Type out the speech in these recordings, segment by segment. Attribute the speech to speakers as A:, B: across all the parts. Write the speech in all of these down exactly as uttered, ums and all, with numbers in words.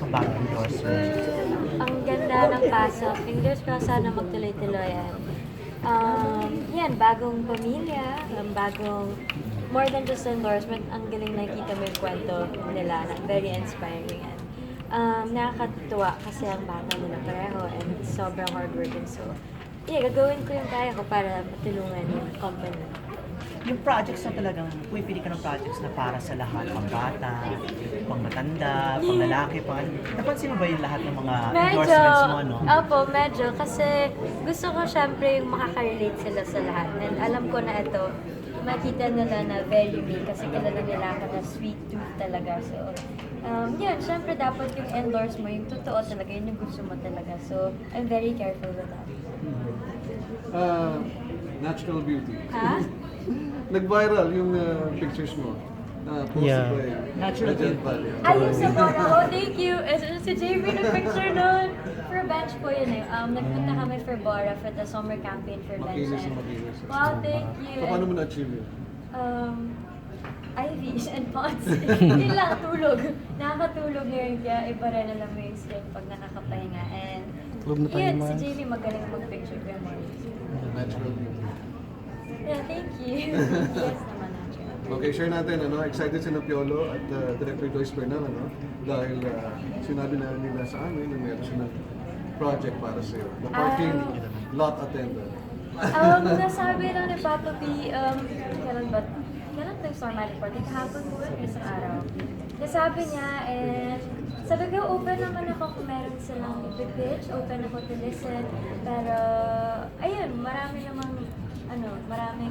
A: bagong endorsement?
B: Ang ganda ng pasok. Fingers crossed sana magtuloy-tuloy yan. Um, yan, bagong pamilya, um, bagong, more than just endorsement, ang galing nakikita mo yung kwento nila, na very inspiring. And, um, nakakatuwa kasi ang bata nila pareho and sobrang hardworking. So, yeah, gagawin ko yung kaya ko para matulungan yung company.
A: Yung projects na talagang, pumipili ka ng projects na para sa lahat, pang bata, pang matanda, pang lalaki, pang ano. Napansin mo ba yung lahat ng mga endorsements mo, no?
B: Opo, medyo. Kasi gusto ko syempre yung makaka-relate sila sa lahat. And alam ko na ito, makita nila na very me kasi kilala nila ako na sweet tooth talaga. So, um, yun, syempre dapat yung endorse mo, yung totoo talaga, yun yung gusto mo talaga. So, I'm very careful with that.
C: Uh, natural beauty.
B: Ha?
C: Nag-viral yung uh, pictures mo. Uh, posted
D: Yeah.
C: by
A: Natural
C: Regent
A: beauty.
C: Valley.
B: Ayun sa photo ko, thank you. Eh, Si J B nag-picture nun. For bench po yun eh. Um, nagpunta kami for Bora for the summer campaign for bench.
C: Makinis na
B: And,
C: makinis.
B: wow, thank you.
C: So, paano mo na-achieve yun?
B: Um, I Vs and pots. Yun lang, tulog. Nakakatulog ngayon kaya iba rin alam mo yung strength pag nakakapahinga. And
D: Tulog na tayo,
B: yun, si
D: man.
B: J B magaling mag-picture ko yung mornings.
C: Natural beauty.
B: Yeah, thank you. Yes naman, natural.
C: Okay, share natin, ano, excited si Piolo at uh, Director Joyce Bernal, ano, dahil uh, sinabi na nila sa amin na meron siya ng project para sa iyo. The parking lot attendant.
B: Um, nasabi lang ni Papa B, um, kailan ba, kailan ito yung Star Magic Party? Kahapon po, isang araw. Nasabi niya, and sabi ko, open naman ako kung meron silang ipipitch, open ako to listen. Pero, ayun, marami namang, ano, maraming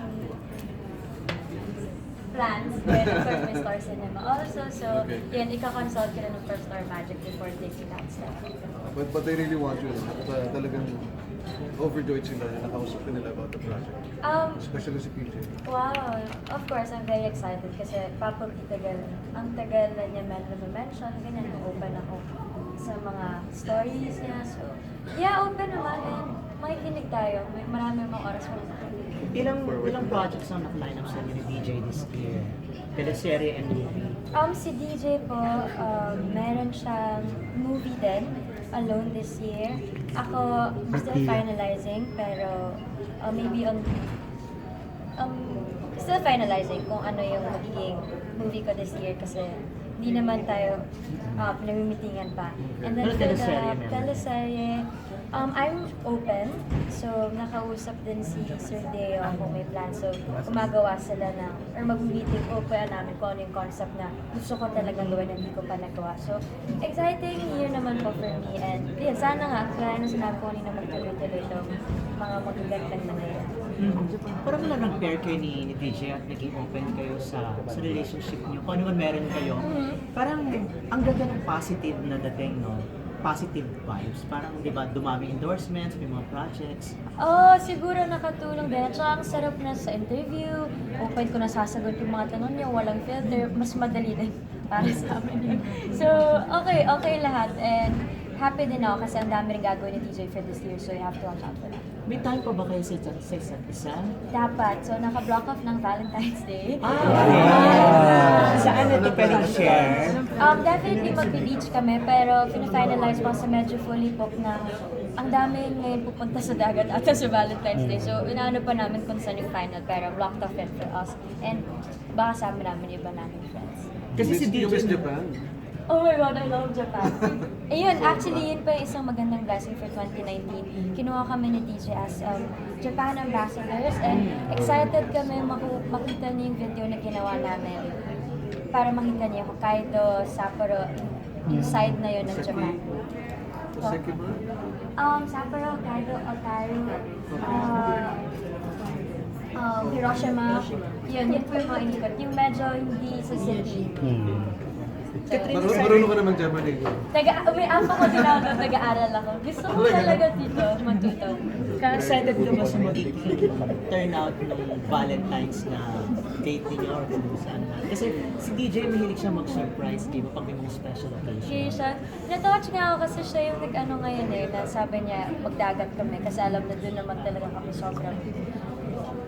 B: plans with of course, may Star Cinema also. So,
C: Okay.
B: yun, ika-consult ko na ng first Star Magic before taking that step.
C: But, but they really want you, at uh, talagang overjoyed sila na nakausap ka nila about the project.
B: Um,
C: Especially si P J.
B: Wow! Of course, I'm very excited kasi Papa P tagal, ang tagal na niya men mention ganyan, open ako sa mga stories niya. So, yeah, open naman and makikinig tayo. May marami mga oras mo.
A: Ilang, ilang projects ang naka-line up sa inyo ni D J this year? Teleserye and movie.
B: Um, si D J po, um, meron siyang movie din, Alone this year. Ako, still finalizing, pero uh, maybe on, um, still finalizing kung ano yung magiging movie ko this year kasi hindi naman tayo uh, pinamimitingan pa. And then
A: Pero
B: for the
A: teleserye meron.
B: teleserye, um, I'm open. So, nakausap din si Sir Deo kung may plan. So, gumagawa sila ng, or mag-meeting, open namin kung ano yung concept na gusto ko talagang gawin na hindi ko pa nagawa. So, exciting year naman po for me. And, yun, sana nga, kaya na sinabi ko kanina magtuloy-tuloy itong mga magagandang na ngayon.
A: Mm-hmm. Parang wala nang pair kayo ni, ni D J at naging open kayo sa sa relationship niyo. Kung ano man meron kayo, parang ang ganda ng positive na dating, no? Positive vibes. Parang, di ba, dumami endorsements, may mga projects.
B: Oh, siguro nakatulong din. At saka ang sarap na sa interview. Open ko na sasagot yung mga tanong niyo, walang filter. Mas madali din para sa amin yun. So, okay, okay lahat. And happy din ako kasi ang dami rin gagawin ni D J for this year. So, you have to watch out for that.
A: May time pa ba kayo sa, sa isa't isa?
B: Dapat. So, naka-block off ng Valentine's Day.
A: Ah! Saan ito pwedeng share?
B: Um, definitely mag-beach kami, pero fina-finalize pa sa medyo fully booked na ang dami ngayon pupunta sa dagat at sa Valentine's Day. So, inaano pa namin kung saan yung final, pero blocked off it for us. And baka sama namin yung iba namin friends.
A: Kasi si D
C: You
A: J
C: miss Japan.
B: Oh my God, I love Japan. Ayun, actually, yun pa yung isang magandang blessing for twenty nineteen. Kinuha kami ni D J as um, Japan ambassadors and excited kami maku- makita niya yung video na ginawa namin para makita niya Hokkaido, Sapporo, yung side na yun ng Japan.
C: Sa Sekiba.
B: Um, Sapporo, Hokkaido, Otaru, uh, um, Hiroshima, yun, yun po yung mga inikot. Yung medyo hindi sa city. So,
C: Marunong marunong ka naman Japanese.
B: Taga, may apa ko din ako, nag-aaral ako. Gusto ko talaga dito matuto.
A: Excited ka ba sa magiging turnout ng Valentine's na date niyo or kung saan man? Kasi si D J mahilig siya mag-surprise, di ba, pag may mga special occasion.
B: Occasion. Natouch nga ako kasi siya yung nag-ano ngayon eh, na sabi niya magdagat kami kasi alam na doon naman talaga kami sobrang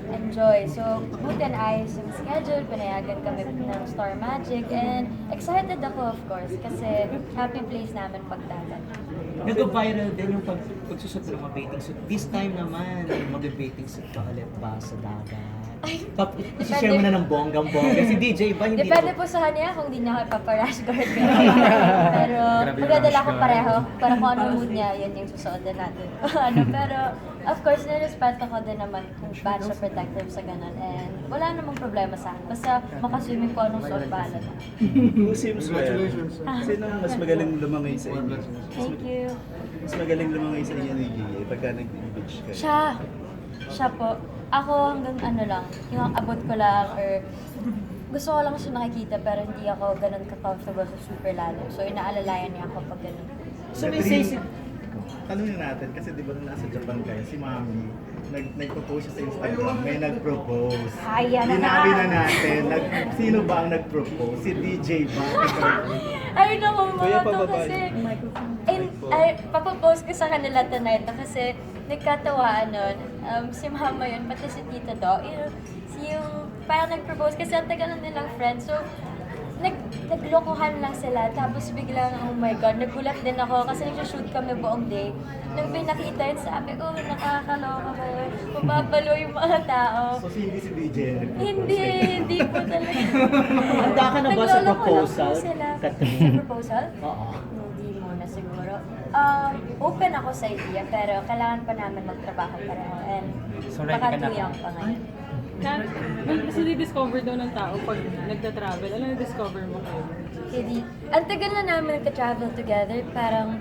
B: enjoy. So, buti na ayos yung schedule, pinayagan kami ng Star Magic, and excited ako of course, kasi happy place namin pagdagat.
A: Nag-viral din yung pag pagsusot ng mga bathing suit. This time naman, mag-bathing suit ka ulit ba sa dagat? Pap, share mo na ng bonggang-bongga. Si D J ba hindi?
B: Depende po sa kanya kung di niya ako ipaparash guard ko. Pero magdadala ko pareho para kung ano mood niya, yun yung susuot din natin. ano, pero of course, nirespeto ko din naman kung paano siya protective sa ganun. And wala namang problema sa akin. Basta makaswimming ko anong suot bahala na.
D: Who seems well?
C: Congratulations.
D: Sino ang mas magaling lumangay sa inyo?
B: Thank you.
D: Mas magaling lumangay sa inyo ni G A pagka nag-beach kayo?
B: Siya. Siya po. Ako hanggang ano lang, yung abot ko lang or gusto ko lang siya nakikita pero hindi ako ganun ka-comfortable sa super lalim. So inaalalayan niya ako pag ganun.
A: So may say si...
E: Tanungin natin, kasi di ba nung nasa Japan kayo, si Mami, nag, nag-propose siya sa Instagram, may nag-propose.
B: Ayan na
E: Dinabi
B: na.
E: na natin, nag, sino ba ang nag-propose? Si D J ba?
B: Ay, naku,
D: Kuya,
B: mga to
D: pababa
B: kasi...
D: niyo.
B: Ay, ay, papapost ko sa kanila tonight to kasi nagkatawaan nun. Um, si mama yun, pati si tita do. Yung, si yung parang nag-propose kasi ang tagal na nilang friends. So, nag, naglokohan lang sila. Tapos biglang, oh my God, nagulat din ako kasi nag-shoot kami buong day. Nung may nakita yun, sabi ko, nakakaloka ba yun? Mababalo yung mga tao.
E: So, si hindi si D J ang nag-propose.
B: Hindi, hindi po talaga.
A: Handa ka na ba sa
B: Nagloloko lang po
A: proposal,
B: sila.
A: Catherine?
B: Sa proposal?
A: Oo.
B: Hindi muna siguro. Um, open ako sa idea, pero kailangan pa namin magtrabaho pareho. And
A: So, ready
B: baka
A: ka na
B: too young pa ngayon.
F: Na, mas discover daw ng tao pag nagta-travel. Ano na-discover mo kayo?
B: Hindi. Ang tagal na namin nagka-travel together, parang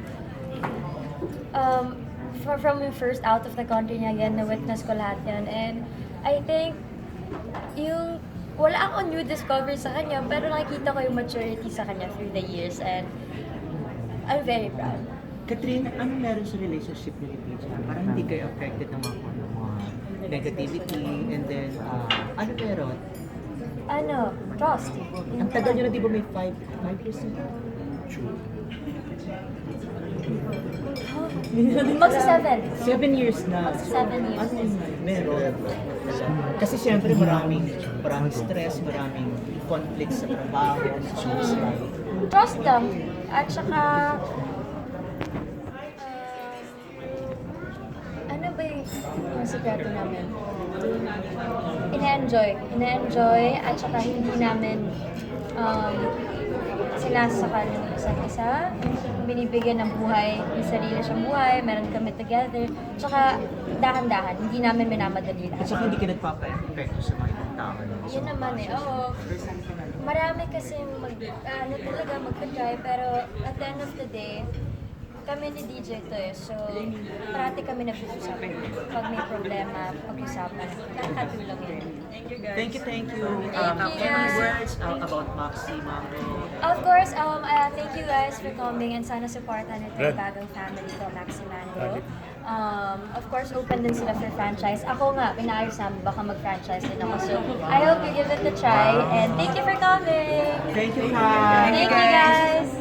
B: um, from, from yung first out of the country niya yan, na-witness ko lahat yan. And I think, yung wala akong new discovery sa kanya, pero nakikita ko yung maturity sa kanya through the years. And I'm very proud.
A: Catherine, ano meron sa relationship niyo ni P J? Parang hindi kayo affected ng mga, ano, mga negativity and then, uh, ano meron?
B: Ano, trust.
A: Ang tagal niyo na di ba may five, five years na?
B: Magsa seven.
A: Seven years na.
B: Seven years.
A: Ano yun? Meron. Kasi siyempre maraming, maraming stress, maraming conflict sa trabaho, sa social life.
B: Trust lang. At saka, uh, ano ba yung, yung sikreto namin? Ina-enjoy. Ina-enjoy at saka hindi namin um, sinasakal yung isa't isa. Binibigyan ng buhay, may sarili siyang buhay, meron kami together. Tsaka dahan-dahan, hindi namin minamadali
A: At
B: lahat.
A: saka hindi ka nagpapa-epekto sa mga ibang tao. no?
B: Yun naman eh, oo. Marami kasi mag, ano talaga magka-try, pero at the end of the day, kami ni D J to eh, so parati kami nag-usap. Pag may problema, pag-usapan. Nakakatulong yun.
A: Thank you, thank you.
B: Thank
A: Um,
B: you,
A: any
B: guys.
A: words uh, about Maxi, Mango?
B: Of course, um, uh, thank you guys for coming and sana supportan ito yung bagong family ko, Maxi Mango. Um, of course, open din sila for franchise. Ako nga, pinaayos namin, baka mag-franchise din ako. So, I hope you give it a try and thank you for coming!
A: Thank you, Kai.
B: Thank you guys!